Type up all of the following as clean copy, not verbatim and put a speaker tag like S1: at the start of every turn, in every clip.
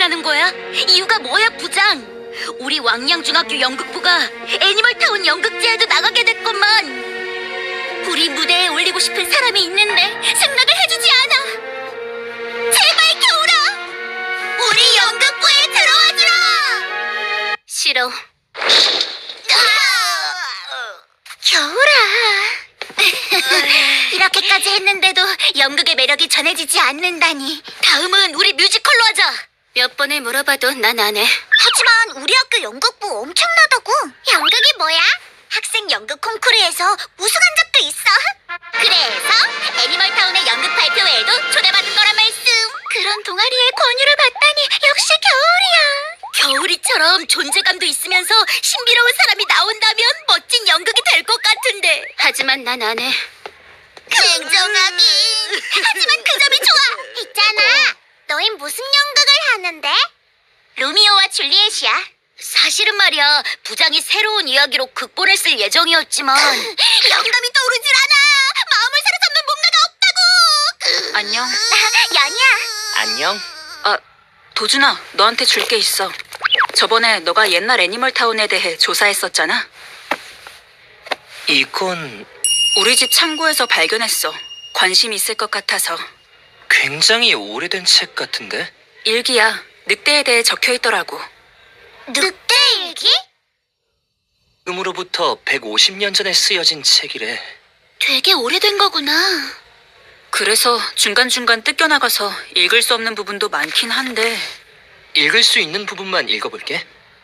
S1: 나는 거야? 이유가 뭐야, 부장? 우리 왕양중학교 연극부가 애니멀타운 연극제에도 나가게 됐건만 우리 무대에 올리고 싶은 사람이 있는데 승낙을 해주지 않아. 제발 겨울아, 우리 연극부에 들어와주라. 싫어. 겨울아. 이렇게까지 했는데도 연극의 매력이 전해지지 않는다니. 다음은 우리 뮤지컬로 하자. 몇 번을 물어봐도 난 안 해.
S2: 하지만 우리 학교 연극부 엄청나다고. 연극이 뭐야? 학생 연극 콩쿠르에서 우승한 적도 있어. 그래서 애니멀타운의 연극 발표회에도 초대받은 거란 말씀.
S1: 그런 동아리의 권유를 받다니 역시 겨울이야. 겨울이처럼 존재감도 있으면서 신비로운 사람이 나온다면 멋진 연극이 될 것 같은데. 하지만 난 안 해.
S2: 냉정하긴. 하지만 그 점이 좋아. 있잖아. 너흰 무슨 연극을 하는데? 로미오와 줄리엣이야.
S1: 사실은 말이야, 부장이 새로운 이야기로 극본을 쓸 예정이었지만
S2: 영감이 떠오르질 않아. 마음을 사로잡는 뭔가가 없다고.
S1: 안녕.
S2: 연이야.
S3: 안녕.
S4: 아, 도준아, 너한테 줄 게 있어. 저번에 너가 옛날 애니멀타운에 대해 조사했었잖아.
S3: 이건
S4: 우리 집 창고에서 발견했어. 관심 있을 것 같아서.
S3: 굉장히 오래된 책 같은데?
S4: 일기야. 늑대에 대해 적혀 있더라고.
S2: 늑대 일기?
S3: 음으로부터 150년 전에 쓰여진 책이래.
S1: 되게 오래된 거구나.
S4: 그래서 중간중간 뜯겨나가서 읽을 수 없는 부분도 많긴 한데.
S3: 읽을 수 있는 부분만 읽어볼게.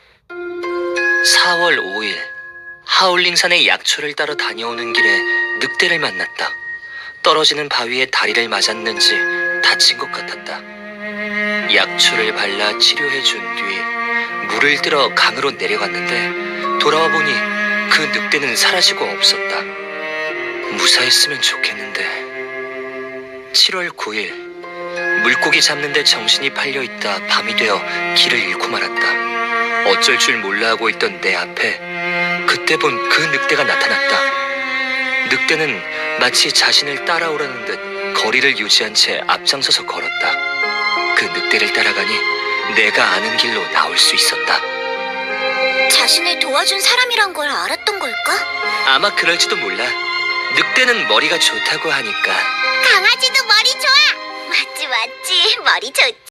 S3: 4월 5일 하울링산의 약초를 따러 다녀오는 길에 늑대를 만났다. 떨어지는 바위에 다리를 맞았는지 다친 것 같았다. 약초를 발라 치료해 준 뒤 물을 들어 강으로 내려갔는데 돌아와 보니 그 늑대는 사라지고 없었다. 무사했으면 좋겠는데. 7월 9일 물고기 잡는데 정신이 팔려있다 밤이 되어 길을 잃고 말았다. 어쩔 줄 몰라 하고 있던 내 앞에 그때 본 그 늑대가 나타났다. 늑대는 마치 자신을 따라오라는 듯 거리를 유지한 채 앞장서서 걸었다. 그 늑대를 따라가니 내가 아는 길로 나올 수 있었다.
S2: 자신을 도와준 사람이란 걸 알았던 걸까?
S3: 아마 그럴지도 몰라. 늑대는 머리가 좋다고 하니까.
S2: 강아지도 머리 좋아. 맞지, 머리 좋지.